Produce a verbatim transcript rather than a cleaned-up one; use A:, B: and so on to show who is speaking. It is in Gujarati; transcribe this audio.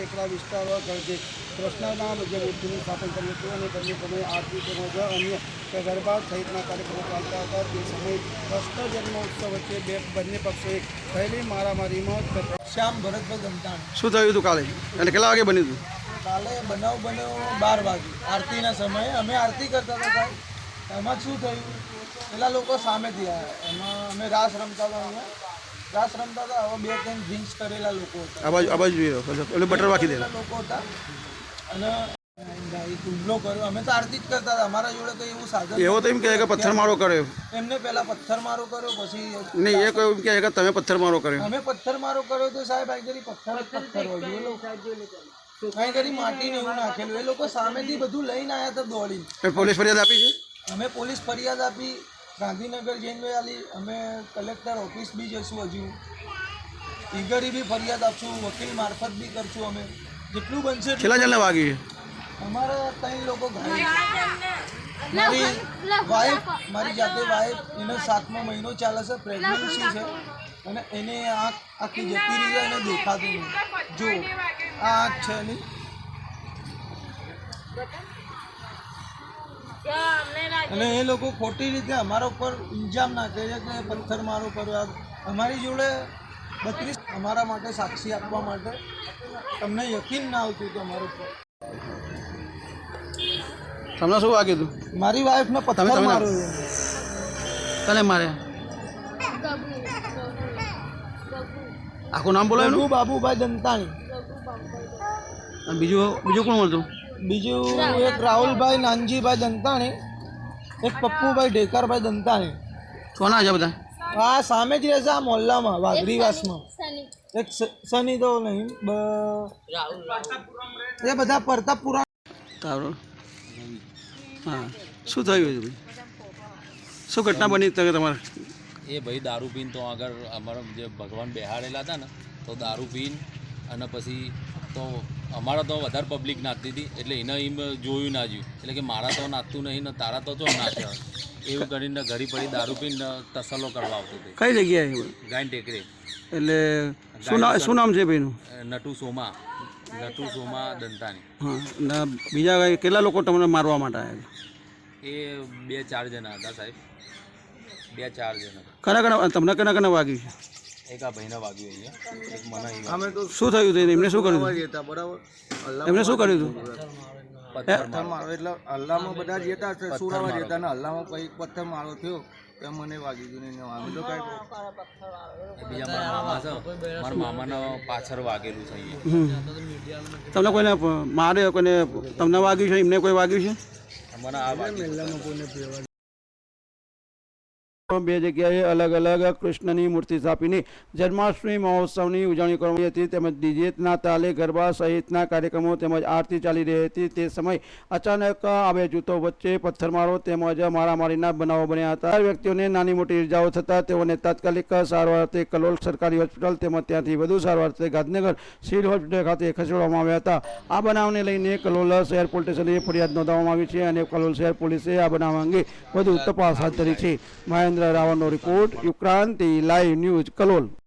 A: ટેકરા વિસ્તારો ગરજે કૃષ્ણના જે મૂર્તિનું સ્થાપન કર્યું હતું અને બંને સમયે આરતી તેમજ અન્ય ગરબા સહિતના કાર્યક્રમો ચાલતા હતા. તે સમયે કૃષ્ણ જન્મોત્સવ વચ્ચે બે બંને પક્ષોએ થયેલી મારામારીમાં
B: શ્યામ ભરતભાઈ ગમતાણ.
C: શું થયું હતું કાલે અને કેટલા વાગે બન્યું હતું?
B: કાલે બનાવ બન્યો બાર વાગે આરતીના સમયે. અમે આરતી કરતા હતા સાહેબ. એમાં શું થયું, પેલા લોકો સામેથી આવ્યા. એમાં અમે રાસ રમતા હતા. અહીંયા રાસ રમતા હતા. હવે બે ત્રણ ડ્રિંક્સ કરેલા લોકો હતા.
C: આ બાજુ આ બાજુ જોઈ રહ્યો એટલે બટર વાકી દેલા
B: લોકો હતા અને હુમલો કર્યો. અમે તો આરતી જ કરતા હતા. અમારા જોડે કંઈ એવું સાધન
C: એવો તો એમ કહે કે પથ્થરમારો કર્યો.
B: એમને પહેલા પથ્થરમારો કર્યો, પછી
C: નહીં એ કહ્યું કે કે તમે પથ્થરમારો કર્યો.
B: અમે પથ્થરમારો કર્યો તો સાહેબ આ કરી પથ્થર જ પથ્થર હોય. એ લોકો કાંઈ કરી માટીને એવું નાખેલું. એ લોકો સામેથી બધું લઈને આવ્યા હતા દોડી.
C: પોલીસ ફરિયાદ આપી છે?
B: અમે પોલીસ ફરિયાદ આપી, ગાંધીનગર જઈને આલી. અમે કલેક્ટર ઓફિસ બી જઈશું, હજુ ઈગરી બી ફરિયાદ આપશું, વકીલ મારફત બી કરશું. અમે જેટલું બનશે.
C: છેલ્લા જણને વાગી છે?
B: અમારા ત્રણ લોકો ઘાયલ. મારી વાઈફ, મારી જાતે વાઈફ, એને સાતમો મહિનો ચાલે છે, પ્રેગ્નન્સી છે અને એને આંખ આખી જતી રહી જાય એને દેખાતું નહીં. જો આ આંખ છે એની. અને એ લોકો ખોટી રીતે અમારા ઉપર ઇલ્ઝામ નાખે છે કે પથ્થર મારો કર્યો. અમારી જોડે બત્રીસ અમારા માટે સાક્ષી આપવા માટે તમને યકીન ના આવતું તો અમારું ઉપર.
C: તમને શું વાગ્યું હતું?
B: મારી વાઈફને પથ્થર માર્યો.
C: તને મારે આખું નામ બોલાય
B: ગગુ બાબુભાઈ દંતાણી.
C: બીજું બીજું કોણ હતું?
B: બીજું એક રાહુલભાઈ નાનજીભાઈ દંતાણી, એક પપ્પુભાઈ ઢેકરભાઈ દંતાણી.
C: કોના છે બધા?
B: આ સામે જ રહેશે આ મોહલ્લામાં વાઘરીવાસમાં. એક સની તો નહીં, એ બધા પ્રતાપપુરા.
C: તારો હા શું થયું છે? શું ઘટના બની તમારે?
D: એ ભાઈ દારૂ પીને તો આગળ અમારા જે ભગવાન બેહાડેલા હતા ને, તો દારૂ પીને અને પછી તો અમારા તો વધારે પબ્લિક નાચતી હતી એટલે એને એમ જોયું ના જોયું એટલે કે મારા તો નાચતું નહીં ને તારા તો જો નાચે એવું કરીને ઘડી પડી દારૂ પીને તસલ્લો કરવા આવતો હતો.
C: કઈ જગ્યાએ?
D: ગાયન ટેકરે.
C: એટલે શું નામ શું નામ છે ભાઈનું?
D: નટુ સોમા. નટુ સોમા દંતાણી.
C: હા ને બીજા કઈ કેટલા લોકો તમને મારવા માટે આવ્યા?
D: એ બે ચાર જણા હતા સાહેબ, બે ચાર જણા.
C: કના કના તમને કના કના વાગ્યું છે?
D: એક આ ભાઈને વાગ્યું અહીંયા, એક મને અહીંયા.
B: અમે તો
C: શું થયું હતું? એમને શું કર્યું?
B: હતા બરાબર.
C: એમને શું કર્યું હતું?
B: પથ્થર મારો એટલે હલ્લામાં બધા જતા છે, સુરાવા જતા ને હલ્લામાં પછી પથ્થર મારો થયો તો મને વાગી ગયું નહીં. અમે તો કાંઈ
D: બીજા મારા મામા છે, મારા મામાના પાછળ વાગેલું છે અહીંયા.
C: તમને કોઈને મારે કોઈને તમને વાગ્યું છે? એમને કોઈ વાગ્યું છે?
D: મને આ વાગ્યું.
C: બે જગ્યાએ અલગ અલગ કૃષ્ણની મૂર્તિ સ્થાપીને જન્માષ્ટમી મહોત્સવની ઉજવણી કરવામાં આવી હતી. તેમજ ડીજેના તાલે ગરબા સહિતના કાર્યક્રમો તેમજ આરતી ચાલી રહી હતી. તે સમયે અચાનક આ બે જૂથો વચ્ચે પથ્થરમારો તેમજ મારામારીના બનાવો બન્યા હતા. ચાર વ્યક્તિઓને નાની મોટી ઇજાઓ થતાં તેઓને તાત્કાલિક સારવાર અર્થે કલોલ સરકારી હોસ્પિટલ તેમજ ત્યાંથી વધુ સારવાર અર્થે ગાંધીનગર સિવિલ હોસ્પિટલ ખાતે ખસેડવામાં આવ્યા હતા. આ બનાવને લઈને કલોલ શહેર પોલીસ સ્ટેશને ફરિયાદ નોંધવામાં આવી છે અને કલોલ શહેર પોલીસે આ બનાવ અંગે વધુ તપાસ હાથ ધરી છે. મહેન્દ્ર રાવણનો report, Yukranti live news, Kalol.